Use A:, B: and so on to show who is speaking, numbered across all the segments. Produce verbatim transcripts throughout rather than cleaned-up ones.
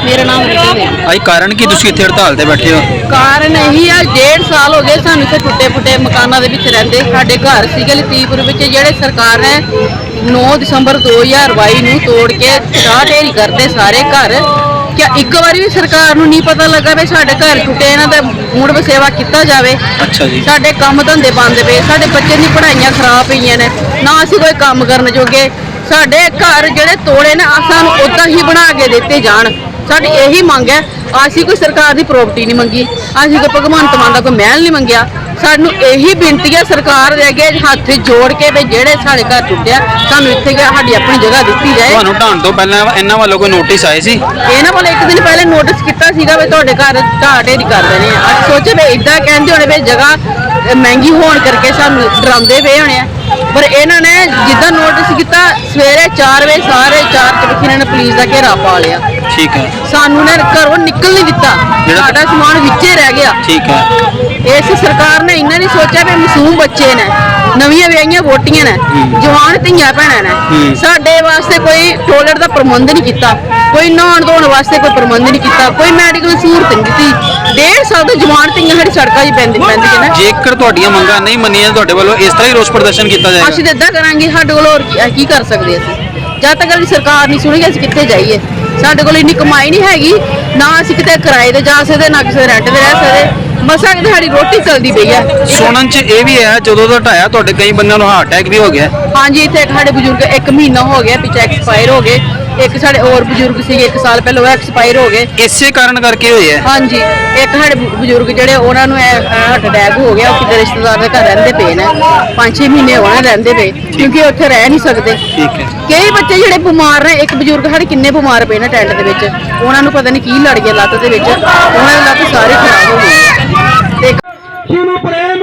A: मेरा नाम रीता है।
B: आई कारण की तुसी इत्थे हड़ताल ते बैठे हो?
A: कारण यही है, डेढ़ साल हो गए सानू इत्थे टुटे फुटे मकानों के विच रहिंदे। साडे घर सीगे लतीफपुर विच, जेहड़े सरकार ने नौ दिसंबर दो हज़ार बाई नूं तोड़ के ढाह ढेरी करते सारे घर। क्या एक बारी भी सरकार नूं नहीं पता लगा भी साडे घर टुटे, इन्हां दा मुड़ वसेवा किया जाए।
B: अच्छा जी।
A: साडे काम धंधे बंद पे, साडे बच्चे दी पढ़ाइयां खराब पईयां ने, ना असीं कोई काम करन जोगे। साडे घर जेहड़े तोड़े ने सानू उदां ही बना के दिते जाण। साडी यही मंग है। असीं कोई सरकार की प्रॉपर्टी नहीं मंगी, असीं कोई भगवंत मान का कोई महल नहीं मंगया। सानू यही बेनती है सरकार दे अगे हथ जोड़ के भी जेहड़े साडे घर टुटिया सानू इत्थे साडी अपनी जगह दित्ती जाए।
B: ਤੁਹਾਨੂੰ ਢਾਣ ਤੋਂ ਪਹਿਲਾਂ ਇਹਨਾਂ ਵੱਲੋਂ ਕੋਈ ਨੋਟਿਸ ਆਏ ਸੀ?
A: ਇਹਨਾਂ ਵੱਲੋਂ ਇੱਕ ਦਿਨ ਪਹਿਲੇ ਨੋਟਿਸ ਕੀਤਾ ਸੀਗਾ ਵੀ ਤੁਹਾਡੇ ਘਰ ਢਾਹ ਢੇਰੀ ਕਰ ਦੇਣੇ ਆ। ਅਸੀਂ ਸੋਚੇ ਵੀ ਇਦਾਂ ਕਹਿੰਦੇ ਹੋਣੇ ਵੀ ਜਗ੍ਹਾ ਮਹਿੰਗੀ ਹੋਣ ਕਰਕੇ ਸਾਨੂੰ ਡਰਾਉਂਦੇ ਪਏ ਹੋਣੇ ਆ, ਪਰ ਇਹਨਾਂ ਨੇ ਜਿੱਦਾਂ ਨੋਟਿਸ ਕੀਤਾ ਸਵੇਰੇ ਚਾਰ ਵਜੇ ਸਾਰੇ ਚਾਰ ਚਬੱਖੀ ਇਹਨਾਂ ਨੇ ਪੁਲਿਸ ਦਾ ਘੇਰਾ ਪਾ ਲਿਆ।
B: ਠੀਕ ਹੈ।
A: ਸਾਨੂੰ ਨੇ ਘਰੋਂ ਨਿਕਲ ਨਹੀਂ ਦਿੱਤਾ, ਸਾਡਾ ਸਮਾਨ ਵਿੱਚੇ ਰਹਿ ਗਿਆ।
B: ਠੀਕ ਹੈ।
A: ਇਸ ਸਰਕਾਰ ਨੇ ਇਹਨਾਂ ਨਹੀਂ ਸੋਚਿਆ ਵੀ ਮਾਸੂਮ ਬੱਚੇ ਨੇ, ਨਵੀਆਂ ਵਿਆਹੀਆਂ ਵੋਟੀਆਂ ਨੇ, ਜਵਾਨ ਧੀਆਂ ਭੈਣਾਂ ਨੇ, ਸਾਡੇ ਵਾਸਤੇ ਕੋਈ ਟੋਇਲਟ ਦਾ ਪ੍ਰਬੰਧ ਨਹੀਂ ਕੀਤਾ, ਕੋਈ ਨਹਾਉਣ ਧੋਣ ਵਾਸਤੇ ਕੋਈ ਪ੍ਰਬੰਧ ਨਹੀਂ ਕੀਤਾ, ਕੋਈ ਮੈਡੀਕਲ ਸਹੂਲਤ ਨਹੀਂ ਦਿੱਤੀ। ਡੇਢ ਸਾਲ ਤੋਂ ਜਵਾਨ ਧੀਆਂ ਸਾਡੀ ਸੜਕਾਂ 'ਚ ਪੈਂਦੀ ਪੈਂਦੀਆਂ ਨੇ।
B: ਜੇਕਰ ਤੁਹਾਡੀਆਂ ਮੰਗਾਂ ਨਹੀਂ ਮੰਨੀਆਂ ਤੁਹਾਡੇ ਵੱਲੋਂ ਇਸ ਤਰ੍ਹਾਂ ਹੀ ਰੋਸ ਪ੍ਰਦਰਸ਼ਨ ਕੀਤਾ ਜਾਏਗਾ?
A: ਅਸੀਂ ਤਾਂ ਇਦਾਂ ਕਰਾਂਗੇ, ਸਾਡੇ ਕੋਲ ਹੋਰ ਕੀ- ਕੀ ਕਰ ਸਕਦੇ ਅਸੀਂ? ਜਦ ਤੱਕ ਸਰਕਾਰ ਨਹੀਂ ਸੁਣੇਗੀ ਅਸੀਂ ਕਿੱਥੇ ਜਾਈਏ? ਸਾਡੇ ਕੋਲ ਇੰਨੀ ਕਮਾਈ ਨਹੀਂ ਹੈਗੀ, ਨਾ ਅਸੀਂ ਕਿਤੇ ਕਿਰਾਏ ਤੇ ਜਾ ਸਕਦੇ, ਨਾ ਕਿਸੇ ਰੈਂਟ ਤੇ ਰਹਿ ਸਕਦੇ। ਮਸਾਂ ਕਿਤੇ ਸਾਡੀ ਰੋਟੀ ਚੱਲਦੀ ਪਈ ਹੈ।
B: ਸੁਣਨ 'ਚ ਇਹ ਵੀ ਹੈ ਜਦੋਂ ਦਾ ਢਾਇਆ ਤੁਹਾਡੇ ਕਈ ਬੰਦਿਆਂ ਨੂੰ ਹਾਰਟ ਅਟੈਕ ਵੀ ਹੋ ਗਿਆ।
A: ਹਾਂਜੀ, ਇੱਥੇ ਇੱਕ ਸਾਡੇ ਬਜ਼ੁਰਗ ਇੱਕ ਮਹੀਨਾ ਹੋ ਗਿਆ ਪਿੱਛੇ ਐਕਸਪਾਇਰ ਹੋ ਗਏ। ਇੱਕ ਸਾਡੇ ਹੋਰ ਬਜ਼ੁਰਗ ਸੀਗੇ ਇੱਕ ਸਾਲ ਪਹਿਲਾਂ ਉਹ ਐਕਸਪਾਇਰ ਹੋ ਗਏ।
B: ਇਸੇ ਕਾਰਨ ਕਰਕੇ ਹੋਏ ਹੈ?
A: ਹਾਂਜੀ, ਇੱਕ ਸਾਡੇ ਬਜ਼ੁਰਗ ਜਿਹੜੇ ਉਹਨਾਂ ਨੂੰ ਹਾਰਟ ਅਟੈਕ ਹੋ ਗਿਆ, ਉਹ ਕਿਤੇ ਰਿਸ਼ਤੇਦਾਰ ਦੇ ਘਰ ਰਹਿੰਦੇ ਪਏ ਨੇ, ਪੰਜ ਛੇ ਮਹੀਨੇ ਹੋਣੇ ਰਹਿੰਦੇ ਪਏ ਕਿਉਂਕਿ ਉੱਥੇ ਰਹਿ ਨਹੀਂ ਸਕਦੇ।
B: ਠੀਕ ਹੈ।
A: ਕਈ ਬੱਚੇ ਜਿਹੜੇ ਬਿਮਾਰ ਨੇ, ਇੱਕ ਬਜ਼ੁਰਗ ਸਾਡੇ ਕਿੰਨੇ ਬਿਮਾਰ ਪਏ ਨੇ ਟੈਂਟ ਦੇ ਵਿੱਚ, ਉਹਨਾਂ ਨੂੰ ਪਤਾ ਨਹੀਂ ਕੀ ਲੜ ਗਿਆ ਲੱਤ ਦੇ ਵਿੱਚ, ਉਹਨਾਂ ਦੀ ਲੱਤ ਸਾਰੀ ਖਰਾਬ ਹੋ ਗਈ।
C: ਜਿਹਨੂੰ ਪ੍ਰੇਮ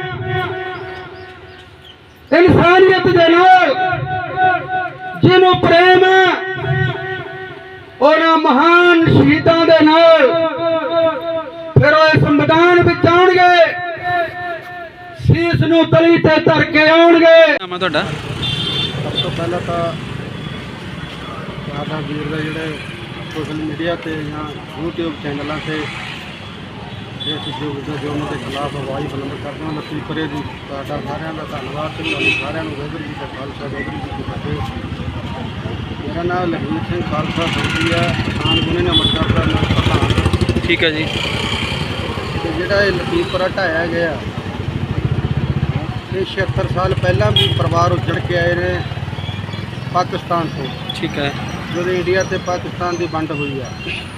C: ਇਨਸਾਨੀਅਤ ਦੇ ਨਾਲ, ਜਿਹਨੂੰ ਪ੍ਰੇਮ ਉਹਨਾਂ ਮਹਾਨ ਸ਼ਹੀਦਾਂ ਦੇ ਨਾਲ, ਫਿਰ ਉਹ ਇਸ ਮੈਦਾਨ ਵਿੱਚ ਆਉਣਗੇ, ਸੀਸ ਨੂੰ ਤਲੀ ਤੇ ਧਰ ਕੇ ਆਉਣਗੇ।
B: ਨਾਮ ਹੈ ਤੁਹਾਡਾ?
D: ਸਭ ਤੋਂ ਪਹਿਲਾਂ ਤਾਂ ਸਾਡਾ ਵੀਰ ਦਾ ਜਿਹੜੇ ਸੋਸ਼ਲ ਮੀਡੀਆ ਤੇ ਜਾਂ YouTube ਚੈਨਲਾਂ ਤੇ ਇਸ ਯੁੱਗ ਦਾ ਜੋ ਉਹਨਾਂ ਦੇ ਖਿਲਾਫ ਆਵਾਜ਼ ਬੁਲੰਦ ਕਰਦੇ ਹਨ, ਲਤੀਫਪੁਰੇ ਦੀ ਤੁਹਾਡਾ ਸਾਰਿਆਂ ਦਾ ਧੰਨਵਾਦ ਤੇ ਸਾਰਿਆਂ ਨੂੰ ਵਾਹਿਗੁਰੂ ਜੀ ਦਾ ਖਾਲਸਾ ਵਾਹਿਗੁਰੂ ਜੀ ਕੀ ਫਤਿਹ। ਮੇਰਾ ਨਾਮ ਲਖਵੀਰ ਸਿੰਘ ਖਾਲਸਾ ਫੌਜੀ ਹੈ, ਕਿਸਾਨ ਯੂਨੀਅਨ ਅੰਮ੍ਰਿਤਸਰ ਦਾ ਮੈਂ ਪ੍ਰਧਾਨ।
B: ਠੀਕ ਹੈ ਜੀ।
D: ਤੇ ਜਿਹੜਾ ਇਹ ਲਤੀਫਪੁਰਾ ਢਾਇਆ ਗਿਆ, ਇਹ ਛਿਹੱਤਰ ਸਾਲ ਪਹਿਲਾਂ ਵੀ ਪਰਿਵਾਰ ਉੱਜੜ ਕੇ ਆਏ ਨੇ ਪਾਕਿਸਤਾਨ ਤੋਂ।
B: ਠੀਕ ਹੈ।
D: ਜਦੋਂ ਇੰਡੀਆ ਤੇ ਪਾਕਿਸਤਾਨ ਦੀ ਵੰਡ ਹੋਈ ਆ,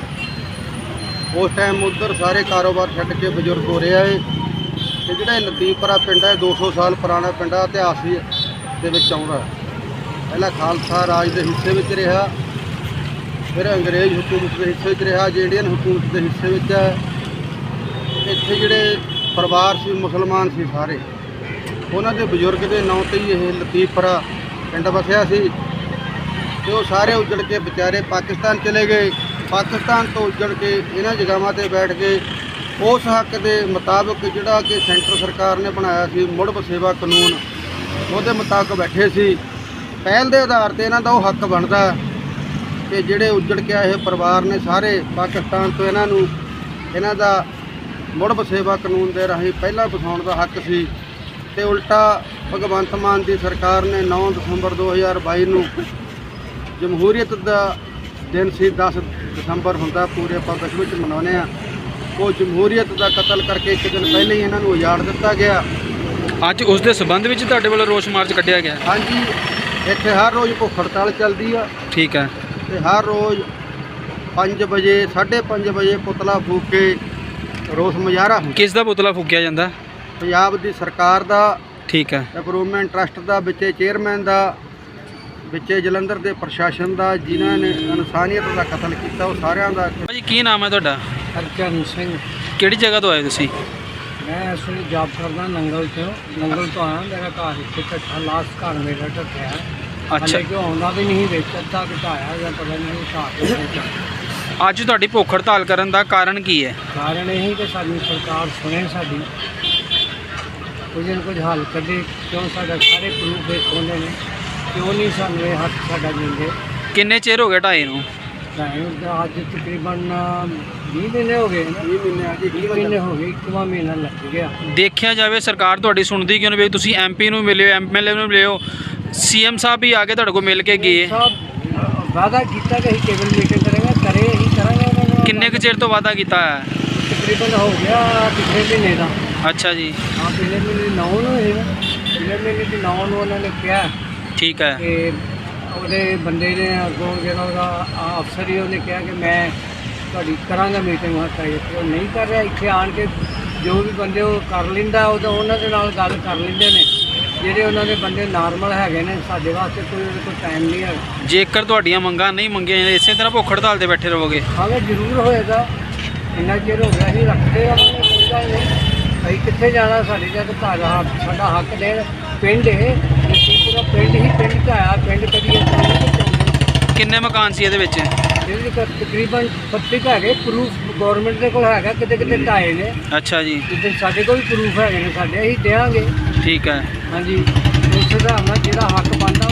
D: ਉਸ ਟਾਈਮ ਉੱਧਰ ਸਾਰੇ ਕਾਰੋਬਾਰ ਛੱਡ ਕੇ ਬਜ਼ੁਰਗ ਹੋ ਰਿਹਾ ਹੈ। ਤੇ ਜਿਹੜਾ ਇਹ ਲਤੀਫਪੁਰਾ ਪਿੰਡ ਹੈ ਦੋ ਸੌ ਸਾਲ ਪੁਰਾਣਾ ਪਿੰਡ ਆ, ਇਤਿਹਾਸ ਦੇ ਵਿੱਚ ਆਉਂਦਾ। ਪਹਿਲਾਂ ਖਾਲਸਾ ਰਾਜ ਦੇ ਹਿੱਸੇ ਵਿੱਚ ਰਿਹਾ, ਫਿਰ ਅੰਗਰੇਜ਼ ਹਕੂਮਤ ਦੇ ਹਿੱਸੇ ਵਿੱਚ ਰਿਹਾ, ਅੱਜ ਇੰਡੀਅਨ ਹਕੂਮਤ ਦੇ ਹਿੱਸੇ ਵਿੱਚ ਹੈ। ਇੱਥੇ ਜਿਹੜੇ ਪਰਿਵਾਰ ਸੀ ਮੁਸਲਮਾਨ ਸੀ ਸਾਰੇ, ਉਹਨਾਂ ਦੇ ਬਜ਼ੁਰਗ ਦੇ ਨਾਂ 'ਤੇ ਹੀ ਇਹ ਲਤੀਫਪੁਰਾ ਪਿੰਡ ਵਸਿਆ ਸੀ। ਤੇ ਉਹ ਸਾਰੇ ਉੱਜੜ ਕੇ ਵਿਚਾਰੇ ਪਾਕਿਸਤਾਨ ਚਲੇ ਗਏ। ਪਾਕਿਸਤਾਨ ਤੋਂ ਉੱਜੜ ਕੇ ਇਹਨਾਂ ਜਗ੍ਹਾਵਾਂ 'ਤੇ ਬੈਠ ਕੇ ਉਸ ਹੱਕ ਦੇ ਮੁਤਾਬਕ ਜਿਹੜਾ ਕਿ ਸੈਂਟਰ ਸਰਕਾਰ ਨੇ ਬਣਾਇਆ ਸੀ ਮੁੜ ਵਸੇਵਾ ਕਾਨੂੰਨ, ਉਹਦੇ ਮੁਤਾਬਕ ਬੈਠੇ ਸੀ। ਪਹਿਲ ਦੇ ਆਧਾਰ 'ਤੇ ਇਹਨਾਂ ਦਾ ਉਹ ਹੱਕ ਬਣਦਾ ਕਿ ਜਿਹੜੇ ਉੱਜੜ ਕੇ ਆਏ ਪਰਿਵਾਰ ਨੇ ਸਾਰੇ ਪਾਕਿਸਤਾਨ ਤੋਂ, ਇਹਨਾਂ ਨੂੰ ਇਹਨਾਂ ਦਾ ਮੁੜ ਵਸੇਵਾ ਕਾਨੂੰਨ ਦੇ ਰਾਹੀਂ ਪਹਿਲਾਂ ਵਸਾਉਣ ਦਾ ਹੱਕ ਸੀ। ਤੇ ਉਲਟਾ ਭਗਵੰਤ ਮਾਨ ਦੀ ਸਰਕਾਰ ਨੇ ਨੌਂ ਦਸੰਬਰ ਦੋ ਹਜ਼ਾਰ ਬਾਈ ਨੂੰ ਜਮਹੂਰੀਅਤ ਦਾ ਦਿਨ ਸੀ, ਦਸ ਦਸੰਬਰ ਹੁੰਦਾ ਪੂਰੇ ਆਪਾਂ ਵਿਸ਼ਵ ਵਿੱਚ ਮਨਾਉਂਦੇ ਹਾਂ, ਉਹ ਜਮਹੂਰੀਅਤ ਦਾ ਕਤਲ ਕਰਕੇ ਇੱਕ ਦਿਨ ਪਹਿਲਾਂ ਹੀ ਇਹਨਾਂ ਨੂੰ ਉਜਾੜ ਦਿੱਤਾ ਗਿਆ।
B: ਅੱਜ ਉਸ ਦੇ ਸਬੰਧ ਵਿੱਚ ਤੁਹਾਡੇ ਵੱਲੋਂ ਰੋਸ ਮਾਰਚ ਕੱਢਿਆ ਗਿਆ?
D: ਹਾਂਜੀ, ਇੱਥੇ ਹਰ ਰੋਜ਼ ਭੁੱਖ ਹੜਤਾਲ ਚੱਲਦੀ ਆ।
B: ਠੀਕ ਹੈ।
D: ਤੇ ਹਰ ਰੋਜ਼ ਪੰਜ ਵਜੇ ਸਾਢੇ ਪੰਜ ਵਜੇ ਪੁਤਲਾ ਫੂਕ ਕੇ ਰੋਸ ਮੁਜ਼ਾਹਰਾ ਹੁੰਦਾ।
B: ਕਿਸ ਦਾ ਪੁਤਲਾ ਫੂਕਿਆ ਜਾਂਦਾ?
D: ਪੰਜਾਬ ਦੀ ਸਰਕਾਰ ਦਾ।
B: ਠੀਕ ਹੈ।
D: ਇੰਪਰੂਵਮੈਂਟ ਟਰਸਟ ਦਾ, ਵਿੱਚੇ ਚੇਅਰਮੈਨ ਦਾ, ਵਿੱਚੇ ਜਲੰਧਰ ਦੇ ਪ੍ਰਸ਼ਾਸਨ ਦਾ, ਜਿਨ੍ਹਾਂ ਨੇ ਇਨਸਾਨੀਅਤ ਦਾ ਕਤਲ ਕੀਤਾ, ਉਹ ਸਾਰਿਆਂ ਦਾ।
B: ਭਾਜੀ ਕੀ ਨਾਮ ਹੈ ਤੁਹਾਡਾ?
E: ਹਰਚਰਨ ਸਿੰਘ।
B: ਕਿਹੜੀ ਜਗ੍ਹਾ ਤੋਂ ਆਏ ਤੁਸੀਂ?
E: ਮੈਂ ਇਸ ਵੇਲੇ ਜੌਬ ਕਰਦਾ ਨੰਗਲ ਤੋਂ। ਨੰਗਲ ਤੋਂ ਆਇਆ, ਮੇਰਾ ਘਰ ਇੱਥੇ ਢੱਠਾ, ਲਾਸਟ ਘਰ ਮੇਰਾ ਢੱਠਿਆ।
B: ਅੱਛਾ।
E: ਕਿ ਆਉਂਦਾ ਵੀ ਨਹੀਂ ਵਿੱਚ, ਅੱਧਾ ਘਟਾਇਆ ਜਾਂ ਪਤਾ ਨਹੀਂ ਘਟਾਇਆ।
B: ਅੱਜ ਤੁਹਾਡੀ ਭੁੱਖ ਹੜਤਾਲ ਕਰਨ ਦਾ ਕਾਰਨ ਕੀ ਹੈ?
E: ਕਾਰਨ ਇਹੀ ਕਿ ਸਾਡੀ ਸਰਕਾਰ ਸੁਣੇ, ਸਾਡੀ ਕੁਝ ਨਾ ਕੁਝ ਹੱਲ ਕੱਢੇ। ਕਿਉਂ ਸਾਡਾ ਸਾਰੇ ਪ੍ਰੂਫ ਵੇਖ ਹੁੰਦੇ ਨੇ, ਕਿਉਂ ਨਹੀਂ ਸਾਨੂੰ ਇਹ ਹੱਕ ਸਾਡਾ ਦਿੰਦੇ?
B: ਕਿੰਨੇ ਚਿਰ ਹੋ ਗਿਆ ਢਾਏ ਨੂੰ?
E: ਸਾਨੂੰ ਅੱਜ ਤਕਰੀਬਨ ਵੀਹ ਮਹੀਨੇ ਹੋ ਗਏ ਨਾ
D: ਵੀਹ ਮਹੀਨੇ ਆ ਜੀ
E: ਵੀਹ ਮਹੀਨੇ ਹੋ ਗਏ ਇੱਕਵਾਂ ਮਹੀਨਾ ਲੱਗ ਗਿਆ।
B: ਦੇਖਿਆ ਜਾਵੇ ਸਰਕਾਰ ਤੁਹਾਡੀ ਸੁਣਦੀ ਕਿਉਂ ਨਹੀਂ ਵੀ ਤੁਸੀਂ ਐਮਪੀ ਨੂੰ ਮਿਲਿਓ ਐਮਐਲਏ ਨੂੰ ਮਿਲਿਓ ਸੀਐਮ ਸਾਹਿਬ ਵੀ ਆ ਕੇ ਤੁਹਾਡੇ ਕੋਲ ਮਿਲ ਕੇ ਗਏ
E: ਸਾਹਿਬ ਵਾਅਦਾ ਕੀਤਾ ਕਿ ਅਸੀਂ ਕੇਬਲ ਮੀਟਿੰਗ ਕਰਾਂਗੇ ਕਰੇ ਅਸੀਂ ਕਰਾਂਗੇ ਉਹਨਾਂ ਨਾਲ।
B: ਕਿੰਨੇ ਕੁ ਚਿਰ ਤੋਂ ਵਾਅਦਾ ਕੀਤਾ ਹੈ?
E: ਤਕਰੀਬਨ ਹੋ ਗਿਆ ਪਿਛਲੇ ਮਹੀਨੇ ਦਾ।
B: ਅੱਛਾ ਜੀ
E: ਹਾਂ ਪਿਛਲੇ ਮਹੀਨੇ ਨੌ ਨੂੰ ਹੈ ਨਾ ਪਿਛਲੇ ਮਹੀਨੇ ਦੀ ਨੌ ਨੂੰ ਉਹਨਾਂ ਨੇ ਕਿਹਾ
B: ਠੀਕ ਹੈ
E: ਕਿ ਉਹਦੇ ਬੰਦੇ ਨੇ ਅੱਗੋਂ ਜਿਹੜਾ ਉਹਦਾ ਅਫਸਰ ਹੀ ਉਹਨੇ ਕਿਹਾ ਕਿ ਮੈਂ ਤੁਹਾਡੀ ਕਰਾਂਗਾ ਮੀਟਿੰਗ ਹਟਾਈ ਉਹ ਨਹੀਂ ਕਰ ਰਿਹਾ। ਇੱਥੇ ਆਣ ਕੇ ਜੋ ਵੀ ਬੰਦੇ ਉਹ ਕਰ ਲੈਂਦਾ ਉਹ ਤਾਂ ਉਹਨਾਂ ਦੇ ਨਾਲ ਗੱਲ ਕਰ ਲੈਂਦੇ ਨੇ ਜਿਹੜੇ ਉਹਨਾਂ ਦੇ ਬੰਦੇ ਨਾਰਮਲ ਹੈਗੇ ਨੇ। ਸਾਡੇ ਵਾਸਤੇ ਕੋਈ ਉਹਦੇ ਕੋਲ ਟਾਈਮ ਨਹੀਂ ਹੈਗਾ।
B: ਜੇਕਰ ਤੁਹਾਡੀਆਂ ਮੰਗਾਂ ਨਹੀਂ ਮੰਗੀਆਂ ਜਾਂਦੀਆਂ ਇਸੇ ਤਰ੍ਹਾਂ ਭੁੱਖ ਹੜਤਾਲ ਤੇ ਬੈਠੇ ਰਹੋਗੇ?
E: ਹਾਲੇ ਜ਼ਰੂਰ ਹੋਏਗਾ। ਇੰਨਾ ਚਿਰ ਹੋ ਗਿਆ ਅਸੀਂ ਰੱਖਦੇ ਆ ਕੋਈ ਗੱਲ ਨਹੀਂ। ਅਸੀਂ ਕਿੱਥੇ ਜਾਣਾ? ਸਾਡੇ ਜਦ ਘਰ ਹੱਕ ਸਾਡਾ ਹੱਕ ਦੇਣ ਪਿੰਡ ਇਹ ਪੂਰਾ ਪਿੰਡ ਹੀ ਪਿੰਡ 'ਚ ਆਇਆ ਪਿੰਡ ਕਦੀ
B: ਕਿੰਨੇ ਮਕਾਨ ਸੀ ਇਹਦੇ ਵਿੱਚ?
E: ਇਹਦੇ ਕੋਲ ਤਕਰੀਬਨ ਪੱਚੀ ਕੁ ਹੈਗੇ ਪ੍ਰੂਫ ਗੌਰਮੈਂਟ ਦੇ ਕੋਲ ਹੈਗਾ ਕਿਤੇ ਕਿਤੇ ਢਾਏ ਨੇ।
B: ਅੱਛਾ ਜੀ
E: ਜਿੱਦਾਂ ਸਾਡੇ ਕੋਲ ਵੀ ਪ੍ਰੂਫ ਹੈਗੇ ਨੇ ਸਾਡੇ ਅਸੀਂ ਦਿਆਂਗੇ।
B: ਠੀਕ ਹੈ
E: ਹਾਂਜੀ ਉਸ ਹਿਸਾਬ ਨਾਲ ਜਿਹੜਾ ਹੱਕ ਬਣਦਾ